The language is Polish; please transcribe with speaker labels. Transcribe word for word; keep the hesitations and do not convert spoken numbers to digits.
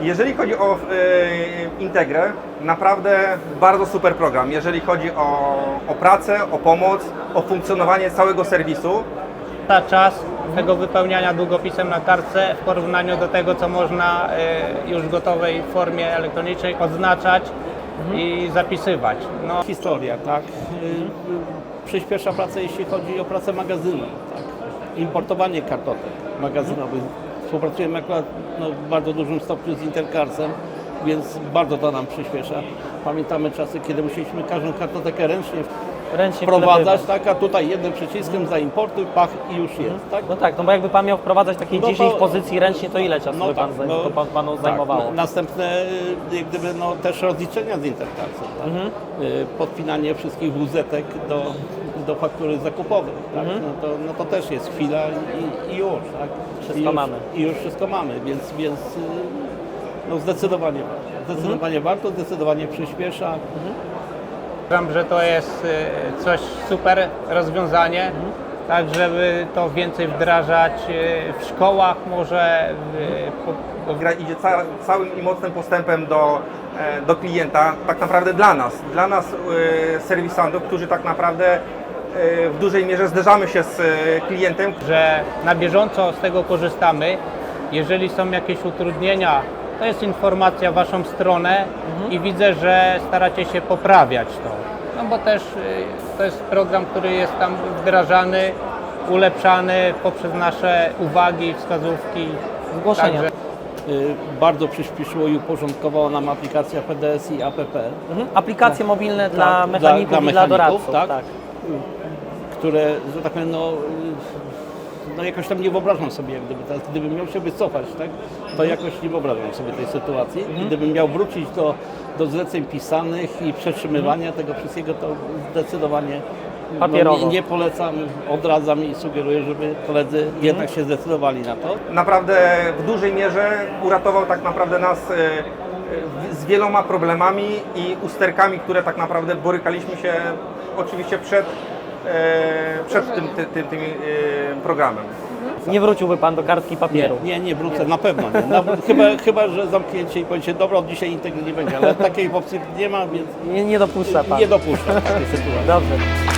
Speaker 1: Jeżeli chodzi o e, Integrę, naprawdę bardzo super program. Jeżeli chodzi o, o pracę, o pomoc, o funkcjonowanie całego serwisu.
Speaker 2: Ta czas tego wypełniania długopisem na kartce w porównaniu do tego, co można y, już w gotowej formie elektronicznej odznaczać i zapisywać. No,
Speaker 3: Historia, tak. Y, Przyspiesza pracę, jeśli chodzi o pracę magazynu, tak. Importowanie kartotek magazynowych. Współpracujemy akurat no, w bardzo dużym stopniu z Intercarsem, więc bardzo to nam przyspiesza. Pamiętamy czasy, kiedy musieliśmy każdą kartotekę ręcznie
Speaker 4: Ręcznie
Speaker 3: wprowadzać,
Speaker 4: wklepywać.
Speaker 3: tak, a tutaj jednym przyciskiem zaimportuj, pach i już jest, tak?
Speaker 4: No tak, no bo jakby Pan miał wprowadzać takie
Speaker 3: No to-
Speaker 4: dziesięć pozycji ręcznie, to ile czasu
Speaker 3: No
Speaker 4: by Pan,
Speaker 3: tak,
Speaker 4: zaj-
Speaker 3: no,
Speaker 4: to pan, Panu
Speaker 3: tak,
Speaker 4: zajmowało?
Speaker 3: no, następne jak gdyby no, też rozliczenia z Intercarsem, tak?
Speaker 4: Mhm.
Speaker 3: Y, podpinanie wszystkich wuzetek do, do faktury zakupowej, tak?
Speaker 4: Mhm.
Speaker 3: no, to, no to też jest chwila i, i już, tak?
Speaker 4: Wszystko
Speaker 3: I już,
Speaker 4: mamy.
Speaker 3: I już wszystko mamy, więc, więc y, no zdecydowanie warto, zdecydowanie
Speaker 4: Mhm.
Speaker 3: warto, zdecydowanie przyspiesza.
Speaker 2: uważam, że to jest y, coś super rozwiązanie, tak żeby to więcej wdrażać y, w szkołach, może w, po,
Speaker 1: Gra idzie ca całym i mocnym postępem do, e, do klienta, tak naprawdę dla nas, dla nas e, serwisantów, którzy tak naprawdę e, w dużej mierze zderzamy się z e, klientem.
Speaker 2: że na bieżąco z tego korzystamy. Jeżeli są jakieś utrudnienia, to jest informacja w Waszą stronę i widzę, że staracie się poprawiać to. No bo też y, to jest program, który jest tam wdrażany, ulepszany poprzez nasze uwagi, wskazówki.
Speaker 4: Zgłoszenia.
Speaker 2: Także
Speaker 3: Y, bardzo przyspieszyło i uporządkowało nam aplikacja P D S i A P P.
Speaker 4: Mhm. Aplikacje mobilne dla
Speaker 3: Tak,
Speaker 4: mechaników
Speaker 3: dla- dla
Speaker 4: i dla
Speaker 3: mechaników,
Speaker 4: doradców.
Speaker 3: tak. które, że tak powiem, no, no jakoś tam nie wyobrażam sobie, jak gdyby teraz, gdybym miał się wycofać, tak, to jakoś nie wyobrażam sobie tej sytuacji. I gdybym miał wrócić do, do zleceń pisanych i przetrzymywania tego wszystkiego, to zdecydowanie no,
Speaker 4: Papierowo.
Speaker 3: nie, nie polecam, odradzam i sugeruję, żeby koledzy jednak się zdecydowali na to.
Speaker 1: Naprawdę w dużej mierze uratował tak naprawdę nas e, e, z wieloma problemami i usterkami, które tak naprawdę borykaliśmy się oczywiście przed, e, przed tym, tym, tym, tym e, programem.
Speaker 4: Nie wróciłby Pan do kartki papieru.
Speaker 3: Nie, nie, nie wrócę, na pewno nie. Na, chyba, chyba, że zamknięcie i powiecie, dobra, od dzisiaj Integry nie będzie, ale takiej opcji nie ma, więc
Speaker 4: Nie, nie dopuszcza Pan.
Speaker 3: nie dopuszczam takiej sytuacji.
Speaker 4: Dobrze.